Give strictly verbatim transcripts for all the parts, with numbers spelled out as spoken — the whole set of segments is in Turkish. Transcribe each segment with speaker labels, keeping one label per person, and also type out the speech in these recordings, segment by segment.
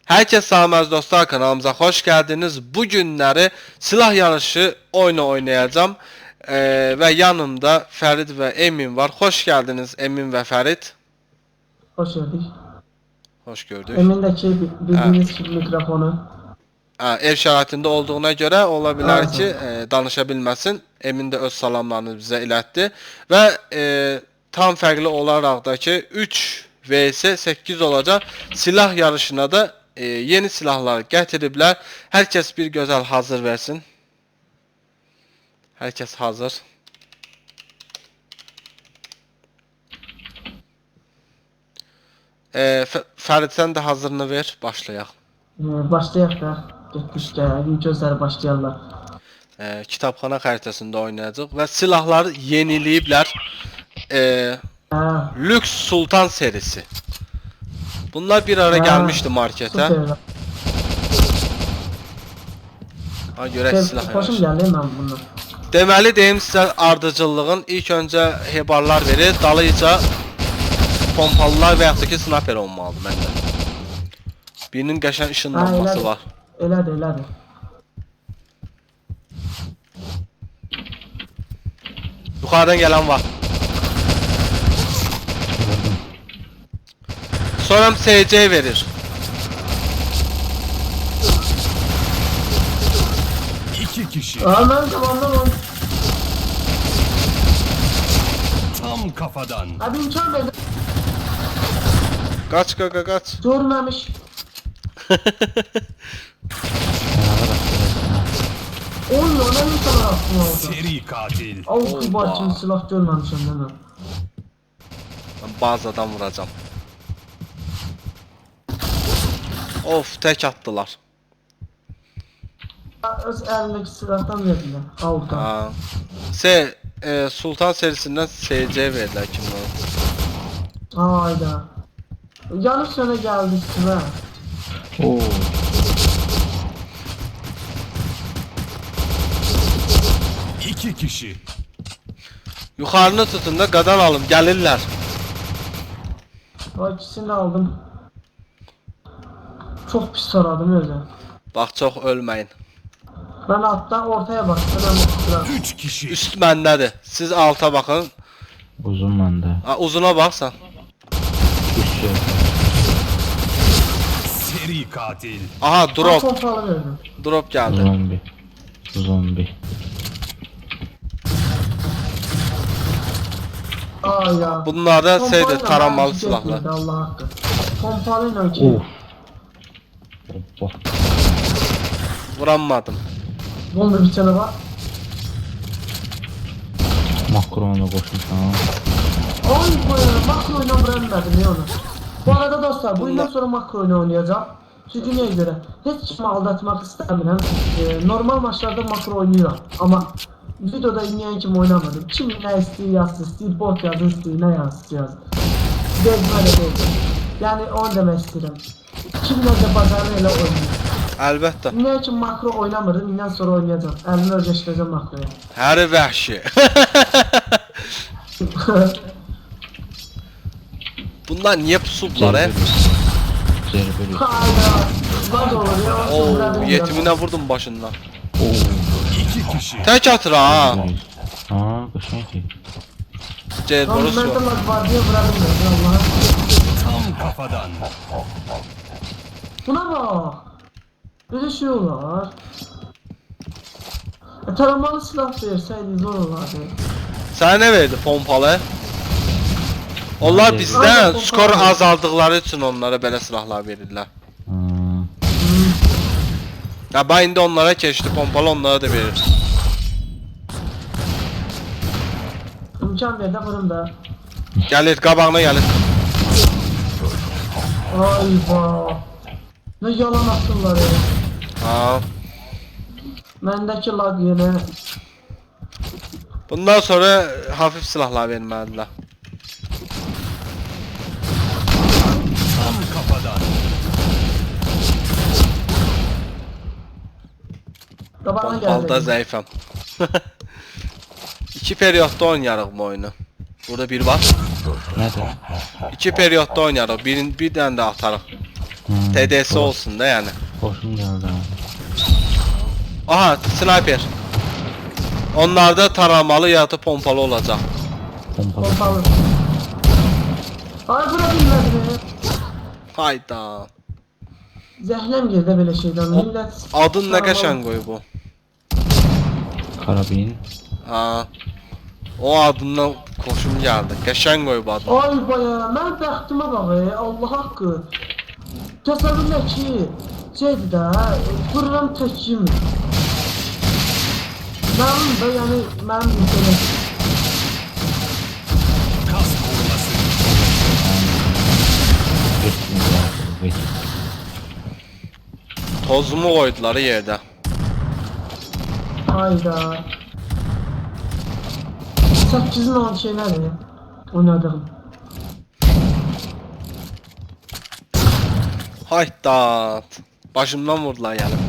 Speaker 1: Herkese selam dostlar, kanalımıza hoş geldiniz. Bugünleri silah yarışı oyunu oynayacağım. Ee, ve yanımda Ferit ve Emin var. Hoş geldiniz Emin ve Ferit.
Speaker 2: Hoş gördük.
Speaker 1: Hoş gördük.
Speaker 2: Emindeki bildiğiniz gibi mikrofonu.
Speaker 1: Ha, ev şəraitində olduğuna görə ola bilər
Speaker 2: Ha,
Speaker 1: ki, e, danışa bilməsin. Emin də öz salamlarını bizə ilətdi. Və e, tam fərqli olaraq da ki, üç vs səkkiz olacaq. Silah yarışına da e, yeni silahlar gətiriblər. Hər kəs bir gözəl hazır versin. Hər kəs hazır. E, Fərid sən də hazırını ver, başlayaq.
Speaker 2: Ee, başlayaq da. Getdik gəldik, gözləri başlayarlar.
Speaker 1: E, kitabxana xəritəsində oynayacaq və silahları yeniləyiblər. E,
Speaker 2: Ha,
Speaker 1: Lüks Sultan serisi. Bunlar bir ara
Speaker 2: Ha,
Speaker 1: gelmişti markete.
Speaker 2: süper.
Speaker 1: Ha görək silah
Speaker 2: Hoşum
Speaker 1: yanaşı.
Speaker 2: gəldi mən bundan.
Speaker 1: Deməli deyim sizə ardıcıllığın ilk öncə hebarlar verir, dalıca pompalılar və yaxud da ki sniper olmalıdır məndə. Birinin qəşəng ışınlanması
Speaker 2: elədir.
Speaker 1: var.
Speaker 2: Elədir, elədir.
Speaker 1: Yuxarıdan gələn var. Sonra S C verir.
Speaker 3: İki kişi
Speaker 2: Aa, mən tamamdan on.
Speaker 3: tam kafadan.
Speaker 2: Abi imkan verdi.
Speaker 1: Qaç qaqa qaç.
Speaker 2: Görməmiş. Oy, ona mı sana aklım oldu?
Speaker 3: Seri katil.
Speaker 2: Av kibar
Speaker 1: Oba.
Speaker 2: kimi silah görməmişəm də mən.
Speaker 1: Ben bazadan vuracağım. Of tek attılar.
Speaker 2: Öz əlindəki silahdan verdilər. Avdan.
Speaker 1: Ha. S e, Sultan serisinden S C verdiler kimden?
Speaker 2: Hayda. Yanlış sene geldi üstüme.
Speaker 4: Oo.
Speaker 3: İki kişi.
Speaker 1: Yukarını tutun da qadan alım gelirler.
Speaker 2: O ikisini de aldım. Çok pis taradım öyle.
Speaker 1: Bak çok ölmeyin.
Speaker 2: Ben alttan ortaya baktım. Ben
Speaker 3: Üç kişi.
Speaker 1: Üst məndədir. Siz alta bakın.
Speaker 4: Uzun bende.
Speaker 1: Ha, uzuna baksan.
Speaker 4: Üç şey.
Speaker 3: Seri katil.
Speaker 1: Aha drop.
Speaker 2: Pompalı verdim.
Speaker 1: Drop geldi.
Speaker 4: Zombi. Zombi.
Speaker 2: Aa ya.
Speaker 1: Bunlar da şeydir
Speaker 2: Pompayla
Speaker 1: taranmalı
Speaker 2: ben
Speaker 1: silahlar.
Speaker 2: gitmedi, Allah hakkı. Pompalıyla
Speaker 4: Of.
Speaker 2: ki.
Speaker 4: Hoppa.
Speaker 1: Vuranmadım.
Speaker 2: Bunda bir tane var.
Speaker 4: Makronu koşmuşam.
Speaker 2: Ay koyarım. Makro oyunu bırakmadım ya onu. Bu arada dostlar bundan
Speaker 1: Bunlar-
Speaker 2: sonra makro oyunu oynayacağım. Çünkü neye göre? Hiç kimi aldatmak istemiyorum. Ee, normal maçlarda makro oynuyorum. Ama videoda inleyen kim oynamadım. Kim ne istiyor yazsın, istiyor bot yazsın, istiyor ne yazsın yazsın. Bezme de değil. Yani onu demek istedim. Kim nerede bacarıyla oynuyor.
Speaker 1: Əlbəttə.
Speaker 2: Ne için makro oynamırdım, inden sonra oynayacağım. Elimi özleştireceğim makroya.
Speaker 1: Həri vəhşi. Bunlar niye pusublar he?
Speaker 4: Zerbeli.
Speaker 2: Hayda. Bak olur ya.
Speaker 1: Oo,
Speaker 2: Oo,
Speaker 1: yetimine vurdum başından.
Speaker 4: Oo.
Speaker 3: İki kişi.
Speaker 1: Tek atır ha.
Speaker 4: Ha, kaşın ki.
Speaker 1: Cez
Speaker 2: Lan
Speaker 1: borusu
Speaker 2: ben de
Speaker 1: var.
Speaker 2: bak var diye bırakın ben Allah'a.
Speaker 3: Tam kafadan.
Speaker 2: Buna bak. Böyle şey olur. E, taramalı silah verseydi zor olardı.
Speaker 1: Sənə nə verdi pompalı? Onlar
Speaker 4: Aynen,
Speaker 1: bizdən
Speaker 2: pompalı.
Speaker 1: skor azaldıqları üçün onlara belə silahlar verirlər.
Speaker 4: Ha.
Speaker 1: Ya ben indi onlara keçdi, pompalı onlara da verir.
Speaker 2: İmkan ver de vurun da.
Speaker 1: Gəlir, qabağına gəlir.
Speaker 2: Ay vah. Ne yalan atırlar ya.
Speaker 1: Ha.
Speaker 2: Mendeki lag yine.
Speaker 1: Bundan sonra hafif silahlar verməlilər.
Speaker 3: Tam kafadan.
Speaker 2: Tabağına
Speaker 1: Pompalıda
Speaker 2: geldi.
Speaker 1: zəifəm. İki periyodda oynayarıq bu oyunu. Burada bir var.
Speaker 4: Nerede?
Speaker 1: İki periyodda oynayarıq. Birin, bir dənə də atarıq.
Speaker 4: Hmm,
Speaker 1: T D S
Speaker 4: doğru.
Speaker 1: olsun da yani.
Speaker 4: Xoşum gəldi abi.
Speaker 1: Aha, sniper. Onlarda taramalı ya da pompalı olacak.
Speaker 4: Pompalı.
Speaker 2: Pompalı. Ay bura bilmədim.
Speaker 1: Hayda.
Speaker 2: Zəhləm geldi belə şeydən.
Speaker 1: O-
Speaker 2: Millət
Speaker 1: Adın ne
Speaker 2: taramalı-
Speaker 1: qəşəng qoyub bu.
Speaker 4: Karabin.
Speaker 1: Ha. O adından xoşum gəldi. Qəşəng qoyub adını.
Speaker 2: Ay baya, mən bəxtimə bax, ey, Allah haqqı. Təsəvvürlə ki, şeydir də, vururam tək yemir. Mənim də, yəni, mənim internet.
Speaker 3: Kas koruması.
Speaker 4: Geçsin lazım. Geçsin.
Speaker 1: Tozumu qoydular yerdə.
Speaker 2: Hayda. Səkkizin on şey nədir? Oynadığım.
Speaker 1: Hayda. Başımdan vurdular yəni.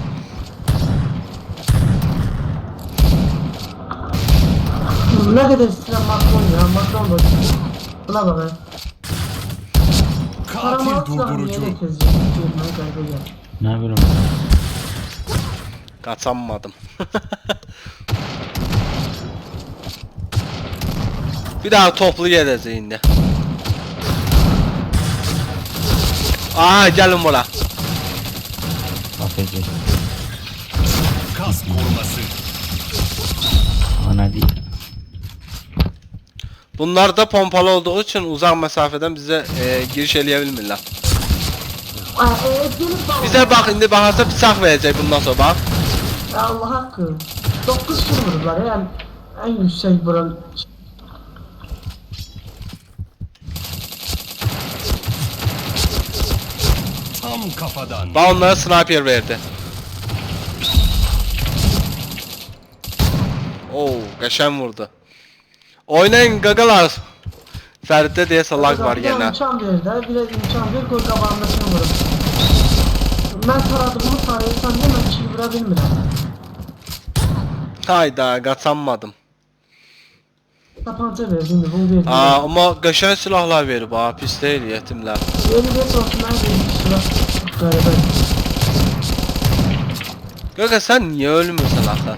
Speaker 2: Nə qədər istəyirəm Macron ya, Macron da. Buna bax, ey.
Speaker 3: Katil
Speaker 2: Taramalı silahı
Speaker 3: durdurucu.
Speaker 2: niyə tez girməyə qayda gəl.
Speaker 4: Ne bileyim.
Speaker 1: Qaçanmadım. Bir daha toplu gedəcək indi. Aa, gəlin bura.
Speaker 4: Afiyet.
Speaker 3: Kas koruması.
Speaker 4: Ana değil.
Speaker 1: Bunlar da pompalı olduğu için uzak mesafeden bize e, giriş eləyə bilmirlər.
Speaker 2: Ay, e, gelib bax.
Speaker 1: Bizə bax indi baxarsa bıçaq verəcək bundan sonra bax.
Speaker 2: Allah haqqı. dokuz kill vurublar, yəni ən yüksək vuran.
Speaker 3: Tam kafadan.
Speaker 1: Bax onlara sniper verdi. Oo, qəşəng vurdu. Oynayın qaqalar. Fəriddə deyəsə lag var
Speaker 2: Bir də
Speaker 1: yenə.
Speaker 2: imkan ver də, bir də imkan ver, qoy qabağındakını vurum. Mən taradığımı sayırsan deyə mən kill vura bilmirəm.
Speaker 1: Hayda, qaçanmadım.
Speaker 2: Tapanca verdi, indi bunu verdi.
Speaker 1: Aa, amma qəşəng silahlar verib ha, pis deyil yetimlər.
Speaker 2: Yeni bir olsun, mən verdim sıra. Qəribə.
Speaker 1: Qaqa sən niyə ölmürsən axı?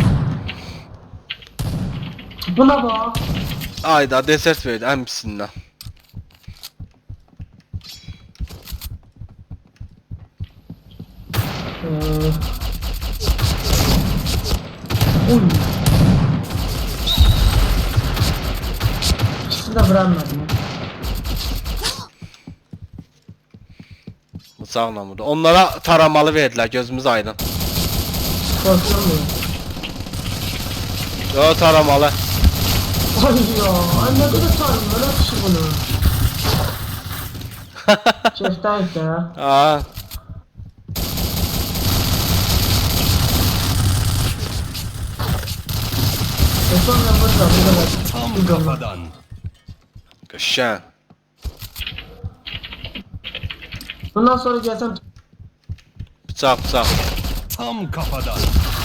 Speaker 2: Buna bax.
Speaker 1: Ayda desert verdi ən pisindən.
Speaker 2: Eee... Uy. İkisini də vuranmadım.
Speaker 1: Bıçaqla vurdu. Onlara taramalı verdilər, gözümüz aydın.
Speaker 2: Korkuyorum.
Speaker 1: Yo, taramalı.
Speaker 2: Ay ya, ay ne kadar tanrım, öyle bir şey bunu. Şeftayız ya.
Speaker 1: Aa,
Speaker 2: E sonra burada, burada.
Speaker 3: Tam
Speaker 2: Burada.
Speaker 3: kafadan.
Speaker 1: qəşəng.
Speaker 2: Bundan sonra gelsem...
Speaker 1: Bıçaq, bıçaq.
Speaker 3: Tam kafadan.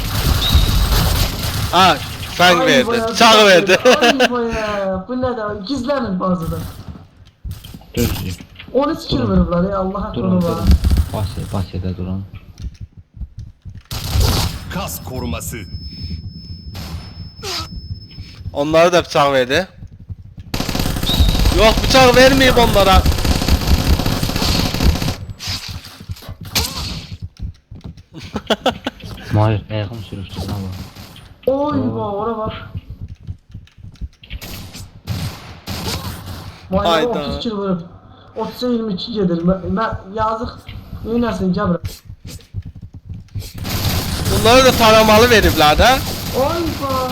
Speaker 1: Ha, fəng
Speaker 2: Ay
Speaker 1: verdi.
Speaker 2: baya,
Speaker 1: Bıçaq verdi.
Speaker 2: Ay baya, bu ne de, gizlenin bazıda.
Speaker 4: Düzdür.
Speaker 2: on üç kill vurublar ya, Allah
Speaker 4: Durun
Speaker 2: hakkını var.
Speaker 4: durun. Basya, basyada durun.
Speaker 3: Kas koruması.
Speaker 1: Onlara da bıçaq verdi. Yox, bıçaq verməyib onlara.
Speaker 4: Mahir, ayağım sürüştü lan bu.
Speaker 2: Oy bak, ora bak. Vay
Speaker 1: Hayda.
Speaker 2: otuz kill vurup. otuza yirmi iki gelir. Ben yazık. Neynəsin cabra.
Speaker 1: Bunlara da taramalı veriblər də.
Speaker 2: Oy bak.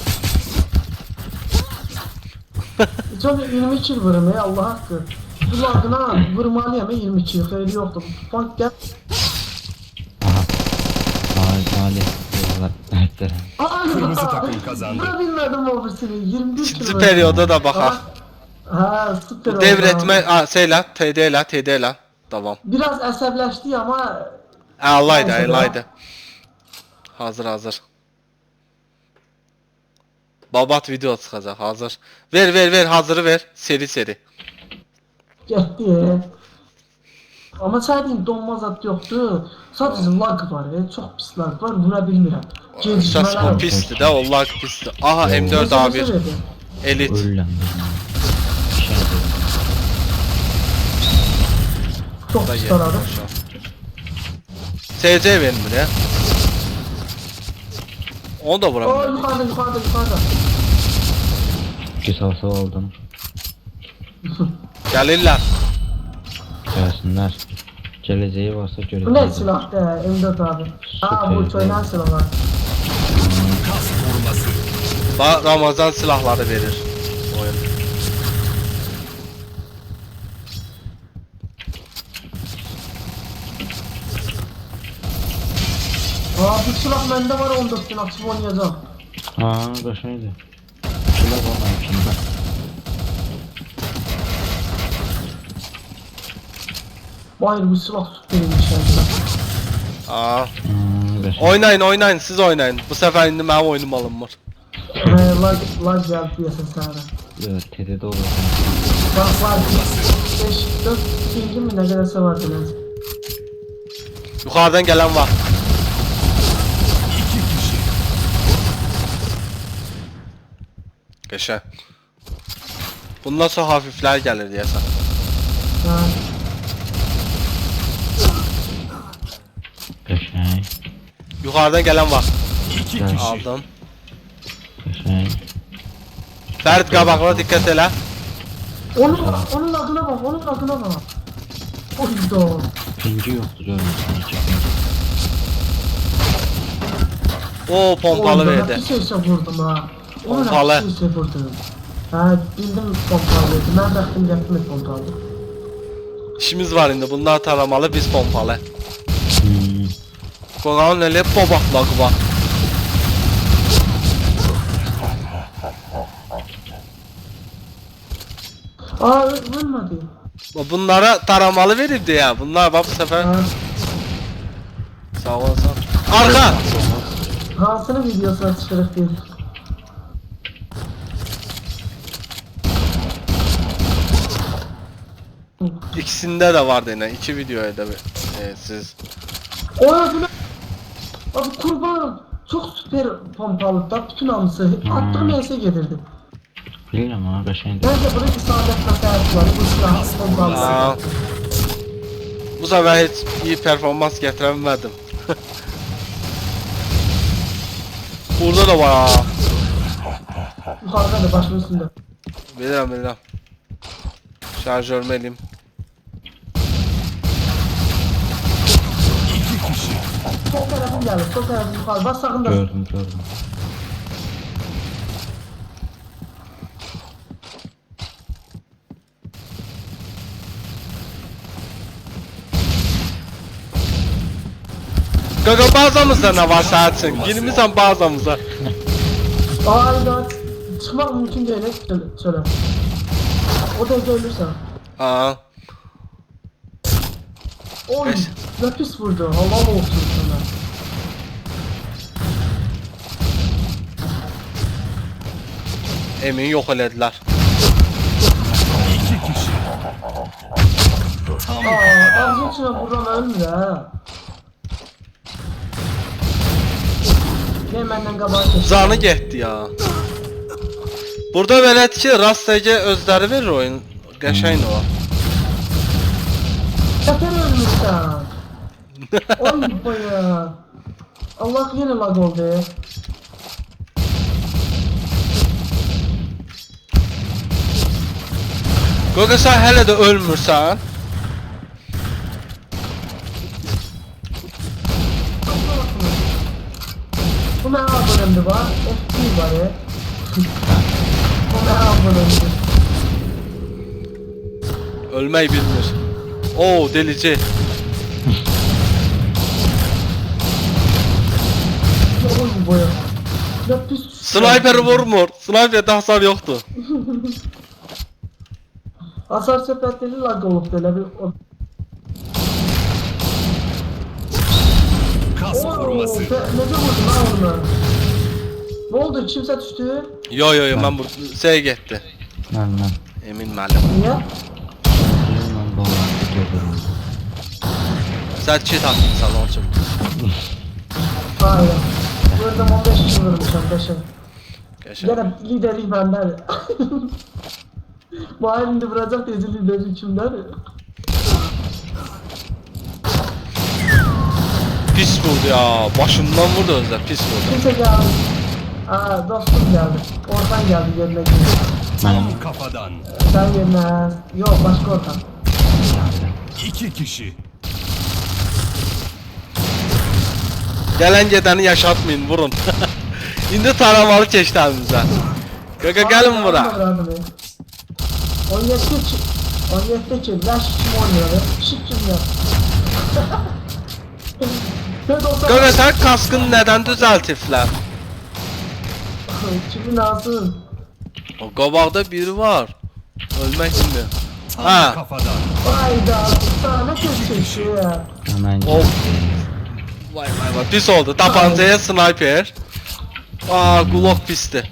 Speaker 2: Çok yirmi kill vurum ya, Allah hakkı. Bu adına vurmalıyım ya, yirmi kill. Xeyri yoktu. Bak gel.
Speaker 4: Aha. Mahir, Mahir. Yollar. Etler.
Speaker 2: Ay,
Speaker 3: Kırmızı takım kazandı.
Speaker 2: Buna bilmedim o birisini. yirmi bir kill
Speaker 1: İkinci
Speaker 2: vurum.
Speaker 1: perioda da baxaq.
Speaker 2: Ha, süper oldu.
Speaker 1: Devretmə, ha, şeylə, T D ilə, T D ilə. Davam.
Speaker 2: Biraz əsəbləşdi ama
Speaker 1: Əlaydı,
Speaker 2: Neyse,
Speaker 1: əlaydı. Hazır, hazır. Babat video çıxacaq, hazır. Ver, ver, ver, hazırı ver. Seri, seri.
Speaker 2: getdi. Amma səhədin donma zad yoxdur. Sadəcə lag var, e, çox pis lag var, vura bilmirəm.
Speaker 1: Səs
Speaker 2: Gecikmələr var.
Speaker 1: pisdir də, o lag pisdir. Aha M dört A bir Elit.
Speaker 4: Ölürəm ben. Şey yapıyorum.
Speaker 2: Çox
Speaker 1: Da
Speaker 2: pis
Speaker 1: yer.
Speaker 2: taradı.
Speaker 1: S C vermir ya. Onu da
Speaker 2: O
Speaker 1: vuramıyor.
Speaker 2: yuxarıda, yuxarıda, yuxarıda.
Speaker 4: Qisası aldım.
Speaker 1: Gəlirlər.
Speaker 4: Gəlsinlər. Gələcəyi varsa
Speaker 2: Bu nə
Speaker 4: görəcəklər.
Speaker 2: silahdır, M dört abi? Ha, bu
Speaker 4: Süper.
Speaker 2: köydən silah var.
Speaker 3: Kas koruması.
Speaker 1: Bax Ramazan silahları verir oyun.
Speaker 2: Aa, bu silah məndə var, on dörd gün açıb oynayacağım.
Speaker 4: Ha, qəşəngdir. Şuna baxma kimdə.
Speaker 2: Hayır, bu silah tut verilmiş yani.
Speaker 1: Aa,
Speaker 4: Hmm, qəşəng.
Speaker 1: oynayın oynayın siz oynayın. Bu sefer indi mənim oyunum alınmır.
Speaker 2: Ee, lag, lag geldi diyorsun sana.
Speaker 4: Yox, T D'də olur.
Speaker 2: Bak var, beş, dört, ikinci mi ne kadarsa vardı lan.
Speaker 1: Yukarıdan gelen var.
Speaker 3: İki kişi.
Speaker 1: Geçen. Bundan sonra hafifler gelir diyesen.
Speaker 2: Ha,
Speaker 4: Qəşəng.
Speaker 1: Yukarıdan gelen var.
Speaker 3: İki
Speaker 4: Gel.
Speaker 3: kişi.
Speaker 1: Aldım.
Speaker 4: Qəşəng.
Speaker 1: Ferit qabağına dikkat elə.
Speaker 2: onun, onun adına bak, onun adına bak. Oydu.
Speaker 4: Pingi yoxdur görmüsən. iki pingi.
Speaker 1: O pompalı verdi.
Speaker 2: Bir şeyse vurdum ha. Onun
Speaker 1: Pompalı.
Speaker 2: bir şeyse vurdum. Ha, bildim pompalı verdi. Ben baktım yaptım pompalı.
Speaker 1: İşimiz var indi. Bunlar taramalı biz pompalı.
Speaker 4: Hmm.
Speaker 1: Qoğanın elə bobaxlağı var.
Speaker 2: Aa, ö- ölmedi.
Speaker 1: Bunlara taramalı verirdi ya. Bunlar bak bu sefer.
Speaker 2: Ha,
Speaker 1: Sağ olasın. Arka.
Speaker 2: hansının videosuna çıkarıp değil.
Speaker 1: İkisinde de vardı yine. İki videoya da e, siz.
Speaker 2: Oya bu ne? Abi kurban çok süper pompalı da bütün anısı attığım yese gelirdi.
Speaker 4: Bilirəm ha, qəşəngdir.
Speaker 2: Bence bunu isabet tasarruf var. Bu silah pompalı.
Speaker 1: Aa, bu sefer hiç iyi performans getiremedim. Burada da var ha.
Speaker 2: Yukarıda da başımın üstünde.
Speaker 1: Bilirəm, bilirəm. Şarjörümü eləyim.
Speaker 3: İki kişi.
Speaker 2: Sol tarafım gelir. Sol tarafım yukarı. Bas sağında.
Speaker 4: Gördüm, gördüm.
Speaker 1: Qaqa bazamızda nə var səhətsin? Girmirsən bazamıza.
Speaker 2: Aynen. Çıkmak mümkün değil. Söyle. söyle. O da ölürsen.
Speaker 1: Aa,
Speaker 2: Oy.
Speaker 1: Beş.
Speaker 2: Ne pis vurdu. Allah olsun sana.
Speaker 1: Emin yox elədilər.
Speaker 3: İki kişi. Tam
Speaker 2: Aa, ağzın içine vuran ölmür ha. Ne benden kabahat etsin.
Speaker 1: Canı getdi ya. Burada belədir ki, rastgele özləri verir oyun. Qəşəng o.
Speaker 2: Zaten ölmüşsen. Oy baya. Allah yine lag oldu.
Speaker 1: Qaqa sən hələ də ölmürsən.
Speaker 2: Bu ne abonemdi var? F P var ya. Bu ne abonemdi?
Speaker 1: Ölmək bilmir. Oo, delici.
Speaker 2: Oy baya. Ne pis.
Speaker 1: Sniper vurmur. Sniperdə hasar yoxdur.
Speaker 2: Hasar sepetleri lag olup böyle bir... o-
Speaker 3: kas
Speaker 2: Oo,
Speaker 3: koruması.
Speaker 2: be- nece vurdun ha onu? Ne oldu? Kimse düştü?
Speaker 1: Yo yo yo, mən bu şey getdi.
Speaker 4: Mən, mən.
Speaker 1: Emin müəllim.
Speaker 2: Niye?
Speaker 4: Mən bağlantı görürüm.
Speaker 1: Sən çit atmışsan onun üçün.
Speaker 2: Aynen. Gördüm on beş kişi vurmuşam beşe.
Speaker 1: Qəşəng.
Speaker 2: Gene liderlik benden. Bu halinde vuracak dedi liderlik kimden?
Speaker 1: Pis vurdu ya. Başımdan vurdu özdə, pis vurdu.
Speaker 2: Kimse geldi. Aa dostum geldi. Orhan geldi yerine girdi.
Speaker 3: Tam kafadan.
Speaker 2: Sen yerine. Yok başka Orhan.
Speaker 3: İki kişi.
Speaker 1: Gələn gedəni yaşatmayın, vurun. İndi taramalı keçdi əlimizə. Qaqa gəlin bura.
Speaker 2: on yedi ki. on yedi ki. Laş kim oynuyor be? Şık kim ya?
Speaker 1: Qaqa sən kaskını nədən düzəltiblər?
Speaker 2: Kimin lazım?
Speaker 1: O qabaqda biri var. Ölmək kimi.
Speaker 3: Tam
Speaker 1: Ha.
Speaker 3: kafadan.
Speaker 2: Hayda. Sana köşesi ya.
Speaker 4: Hemen
Speaker 1: Of. Vay vay vay, pis oldu. Tapancaya sniper. Aa, Glock pisti.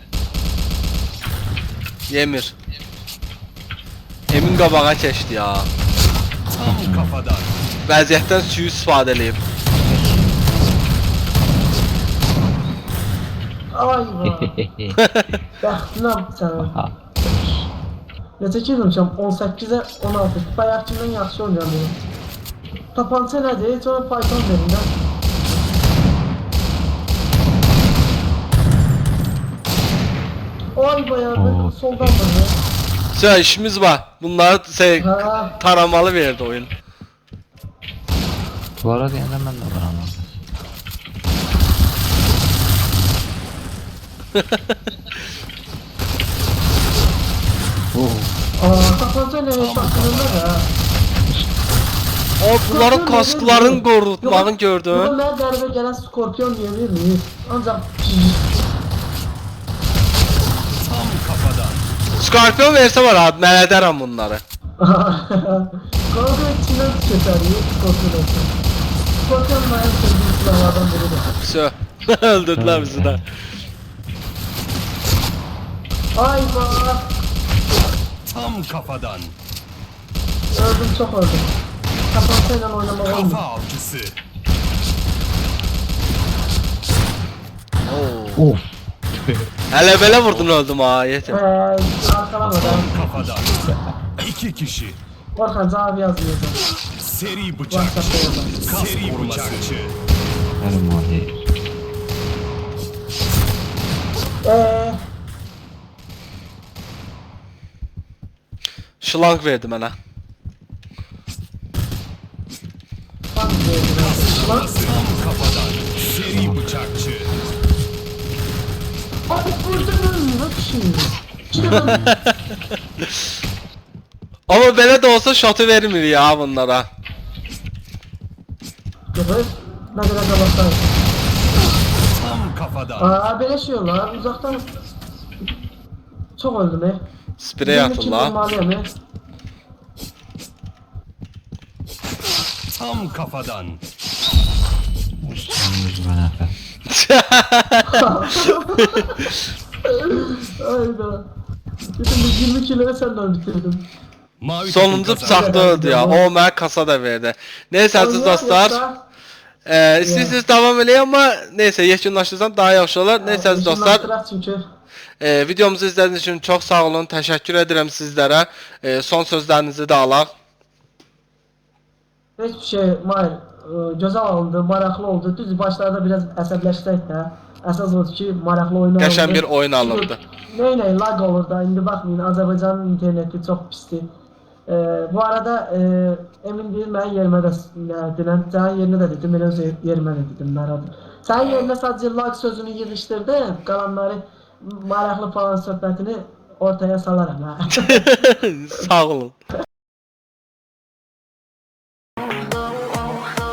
Speaker 1: Yemir. Emin qabağa keçdi ya.
Speaker 3: Tam kafadan.
Speaker 1: Vəziyyətdən suyu istifadə eləyib.
Speaker 2: Ay vay. Bəxtinə sana. Necə girmişəm? on səkkizə on altı. Bayaqkindən yaxşı oynayamıyorum. Tapanca nədir? Heç ona Python verin də. Ay bayağı
Speaker 4: Oo.
Speaker 2: soldan bana.
Speaker 1: Sən işimiz var. Bunları şey,
Speaker 2: Ha.
Speaker 1: taramalı verdi oyun.
Speaker 4: Bu arada yeniden ben de var ama. Oh.
Speaker 2: Aa tapanca nə şaşırında da.
Speaker 1: O bunların kaskların qorutmağını gördün.
Speaker 2: Buna mən qəribə gələn Skorpion deyə bilmir. Ancaq
Speaker 3: Tam kafadan.
Speaker 1: Scorpion versə var abi, mən edərəm bunları.
Speaker 2: Qalqa içindən keçərik Skorpion olsun. Skorpion mənim sevdiğim silahlardan biridir.
Speaker 1: Sö. Öldürdülər bizi də.
Speaker 2: Ay vah.
Speaker 3: Tam kafadan.
Speaker 2: Öldüm çok öldüm. Tapancayla oynamak
Speaker 3: Kafa
Speaker 2: olmuyor.
Speaker 3: avcısı.
Speaker 1: Oo.
Speaker 4: Of.
Speaker 1: Hələ belə vurdun öldüm ha, yetim.
Speaker 2: Eee arkalamadan.
Speaker 3: Tam kafadan. İki kişi.
Speaker 2: Orhan cevap yazmıyor.
Speaker 3: Seri bıçakçı.
Speaker 2: WhatsApp'ta yazar.
Speaker 3: Seri bıçakçı.
Speaker 4: Benim o değil.
Speaker 2: Eee
Speaker 1: Şlank verdi mənə.
Speaker 2: bak diyorum. Lan
Speaker 3: Tam kafadan. Seri bıçakçı.
Speaker 2: abi vurdun mu? Nasıl şey? Çıkın.
Speaker 1: Amma belə də olsa şotu vermir ya bunlara.
Speaker 2: Evet. Ne kadar kabaklar.
Speaker 3: Tam kafadan.
Speaker 2: Aa böyle şey olur. Uzaktan çok öldüm he.
Speaker 1: Sprey atın la.
Speaker 3: Tam kafadan.
Speaker 4: Sen yüzüme nefret.
Speaker 2: Ayda. Bütün bu yirmi kiloyu senden bitirdim.
Speaker 3: Mavi
Speaker 1: Sonuncu
Speaker 3: takım kazandı.
Speaker 1: bıçaqda öldü ya. O mənə kasa da verdi. Neyse əziz dostlar. E, İstəyirsiniz davam eləyin amma neyse yekunlaşdırsam daha yaxşı olar. Neyse əziz dostlar.
Speaker 2: Çünkü.
Speaker 1: E, videomuzu izlədiyiniz üçün çox sağ olun. Təşəkkür edirəm sizlərə. E, son sözlərinizi də alaq.
Speaker 2: Hiçbir şey Mahir e, göze alındı, maraqlı oldu. Düz başlarda biraz əsəbləşsək də, əsas odur ki, maraqlı oyun alındı.
Speaker 1: Qəşəng bir oyun alındı.
Speaker 2: Ney ney lag olur da, indi baxmayın, Azərbaycanın interneti çox pisdir. E, bu arada e, emin deyil, mənim yerimə də dinən, sənin yerinə də dedim, mən öz yerimə də dedim, məradım. Sənin yerinə sadəcə lag sözünü yığışdırdım, qalanları maraqlı falan söhbətini ortaya salaram, hə.
Speaker 1: Sağ olun.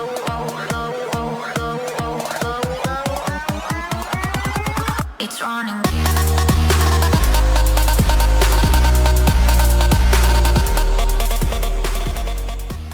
Speaker 5: It's running